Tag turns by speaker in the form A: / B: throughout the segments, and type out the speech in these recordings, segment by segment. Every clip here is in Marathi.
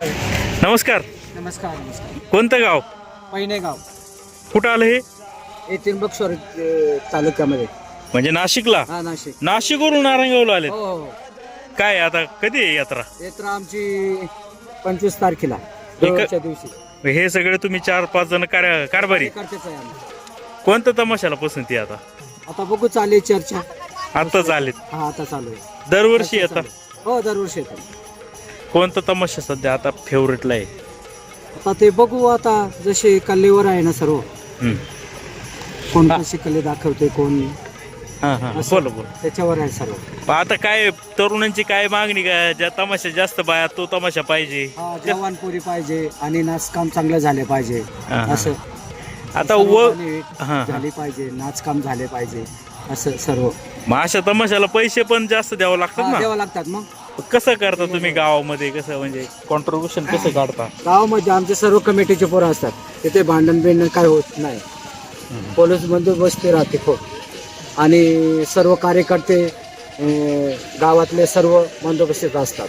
A: नमस्कार.
B: नमस्कार नमस्कार.
A: कोणतं गाव?
B: पहिने गाव
A: कुठं आलं हे?
B: हे त्र्यंबकेश्वर तालुक्यामध्ये.
A: म्हणजे नाशिकला?
B: हा नाशिक.
A: नाशिकवरून नारायणगावला आले.
B: हो हो.
A: काय आता कधी आहे यात्रा?
B: यात्रा आमची 25 तारखेला देवाच्या दिवशी.
A: हे सगळे तुम्ही 4-5 जण कारभारी
B: करतेच आहे आम्ही.
A: कोणत्या तमाशाला पसंती आहे आता?
B: आता बघू चालू चर्चा.
A: आताच आलेत?
B: हा आता चालू आहे.
A: दरवर्षी येतात?
B: हो दरवर्षी येतात.
A: कोणता तमाशा सध्या आता फेवरेटला आहे?
B: आता ते बघू आता जसे कलेवर आहे ना सर्व. कोण कशी कले दाखवते कोण.
A: बोला बोला.
B: त्याच्यावर आहे सर्व.
A: आता काय तरुणांची काय मागणी? काय ज्या तमाशा जास्त बाया तो तमाशा पाहिजे,
B: जवानपुरी पाहिजे आणि नाचकाम चांगलं झाले पाहिजे असं.
A: आता
B: झाली पाहिजे, नाचकाम झाले पाहिजे असं सर्व.
A: मग अशा तमाशाला पैसे पण जास्त द्यावं लागतात ना?
B: द्यावं लागतात. मग
A: कसं करता तुम्ही गावामध्ये? कसं म्हणजे कॉन्ट्रीब्युशन कसं काढता?
B: गावामध्ये आमचे सर्व कमिटीचे पोरं असतात. तिथे भांडण बिंडण काय होत नाही. पोलीस बंदोबस्त राहते खूप. आणि सर्व कार्यकर्ते गावातले सर्व बंदोबस्तीत असतात.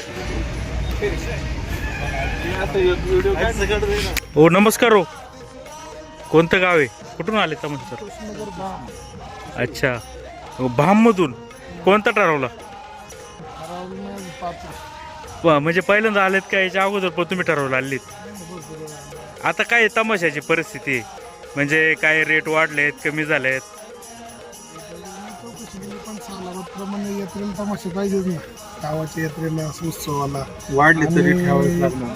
A: हो नमस्कार. हो कोणतं गाव आहे? कुठून आले तमाशा? अच्छा, भाममधून. कोणता ठरवला? म्हणजे पहिल्यांदा आलेत का याच्या अगोदर पण तुम्ही ठरवलं आलीत? आता काय तमाशाची परिस्थिती आहे? म्हणजे काय रेट वाढलेत, कमी झालेत?
C: यात्रेला तमाशा पाहिजेच ना. गावाच्या यात्रेला उत्सवाला
B: वाढले तरी ठेवावेच लागणार.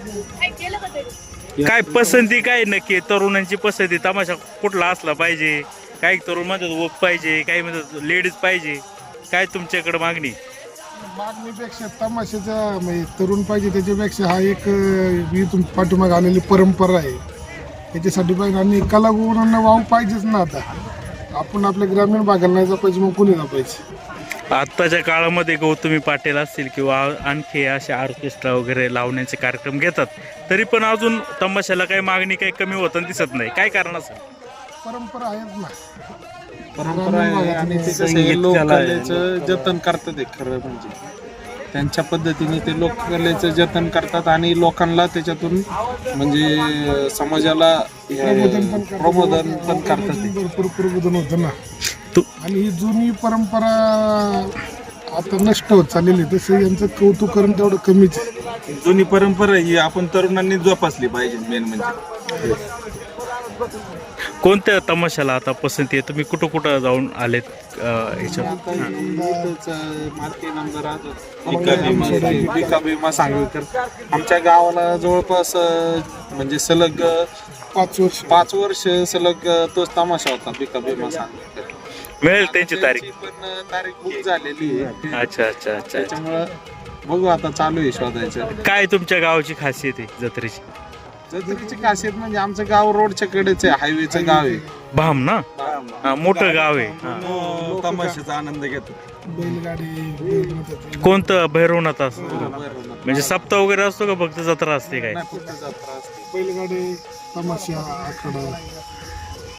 A: काय पसंती काय नक्की? तरुणांची पसंती तमाशा कुठला असला पाहिजे? काही तरुण म्हणतात वोक पाहिजे, काही म्हणतात लेडीज पाहिजे. काय तुमच्याकडे मागणी?
C: मागणीपेक्षा तमाशाचा म्हणजे तरुण पाहिजे त्याच्यापेक्षा हा एक इथून पाठीमागे आलेली परंपरा आहे. त्याच्यासाठी पाहिजे आणि कलागुणांना वाव पाहिजेच ना. आता आपण आपल्या ग्रामीण भागाला नाही पाहिजे मग कुणी ना पाहिजे.
A: आत्ताच्या काळामध्ये गौतमी पाटील असतील किंवा आणखी असे ऑर्केस्ट्रा वगैरे लावण्याचे कार्यक्रम घेतात, तरी पण अजून तमाशाला काही मागणी काही कमी होताना दिसत नाही. काय कारण असेल?
C: परंपरा आहेच ना.
D: परंपरा आहे आणि ते कसं आहे, लोककलेचं जतन करतात. एक खरं म्हणजे त्यांच्या पद्धतीने ते लोककलेचं जतन करतात आणि लोकांना त्याच्यातून म्हणजे समाजाला प्रबोधन पण करतात.
C: भरपूर प्रबोधन होतं ना. आणि ही जुनी परंपरा आता नष्ट होत चाललेली. तसं यांचं कौतुक करून तेवढं कमीच आहे.
D: जुनी परंपरा ही आपण तरुणांनी जोपासली पाहिजे. मेन म्हणजे
A: कोणत्या तमाशाला आता पसंती आहे? तुम्ही कुठं कुठं जाऊन आलेत
D: बिका भीमा सांगलीकर. आमच्या गावाला जवळपास म्हणजे सलग 5 वर्ष सलग तोच तमाशा होता. बिका भीमा सांगलीकर
A: मिळेल त्यांची तारीख?
D: पण तारीख बुक झालेली आहे.
A: अच्छा अच्छा अच्छा.
D: त्याच्यामुळं बघू आता चालू आहे शोधायचं.
A: काय तुमच्या गावाची खासियत आहे जत्रेची?
D: जत्रेची खासियत म्हणजे आमचं गाव रोडच्या कडेच आहे, हायवेचं गाव आहे.
A: भाम ना? हा, मोठं गाव आहे.
D: तमाशाचा आनंद घेतो.
C: बैलगाडी
A: कोणतं? भैरवनाथ असतो म्हणजे सप्ताह वगैरे असतो का फक्त जत्रा असते? काय
D: फक्त जत्रा असते.
C: बैलगाडी तमाशा आखाडा